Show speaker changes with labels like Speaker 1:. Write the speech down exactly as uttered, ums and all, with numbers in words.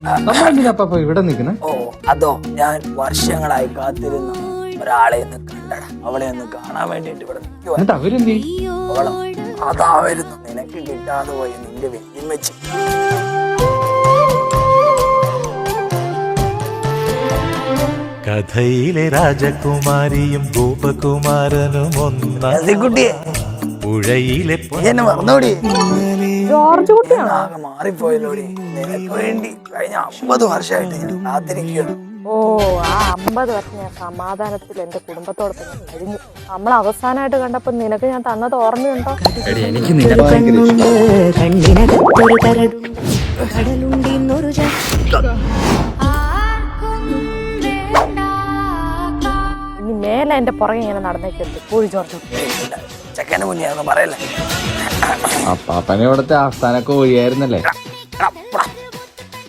Speaker 1: നമ്മളെന്തിനാ ഇവിടെ നിൽക്കണേ?
Speaker 2: ഓ അതോ, ഞാൻ വർഷങ്ങളായി കാത്തിരുന്ന ഒരാളെ ഒന്ന് കണ്ടട, അവളെ ഒന്ന് കാണാൻ വേണ്ടിട്ട് ഇവിടെ നിൽക്കുവാ.
Speaker 1: അവരെന്തി
Speaker 2: അതാ വരുന്നു, നിനക്ക് കിട്ടാതെ പോയി നിന്റെ വെല്ലുമ്മച്ചി.
Speaker 3: കഥയിലെ രാജകുമാരിയും ഗോപകുമാരനും ഒന്നാകുട്ടിയെ പുഴയിലെ
Speaker 2: മറന്നോടി,
Speaker 4: ജോർജ് കുട്ടിയാണോ?
Speaker 2: ആകെ മാറിപ്പോയല്ലോടി. നിനക്ക് വേണ്ടി കഴിഞ്ഞ അമ്പത് വർഷമായിട്ട് ഞാൻ കാത്തിരിക്കുകയാണ്.
Speaker 4: ഓ, ആ അമ്പത് വർഷം ഞാൻ സമാധാനത്തിൽ എന്റെ കുടുംബത്തോടൊപ്പം ഞാൻ കഴിഞ്ഞു. നമ്മൾ അവസാനമായിട്ട് കണ്ടപ്പോ നിനക്ക് ഞാൻ തന്നത് ഓർമ്മയുണ്ടോ?
Speaker 1: എനിക്ക്
Speaker 4: ഇനി മേലെ എന്റെ പുറകെ ഇങ്ങനെ നടന്നേക്കരുത്. പോയി ജോർജ്.
Speaker 2: ചെക്കന്റെ മുന്നേ ഒന്നും പറയല്ലേ.
Speaker 1: അപ്പാപ്പനെ ഇവിടുത്തെ ആസ്ഥാനൊക്കെ ഒഴിയായിരുന്നല്ലേ?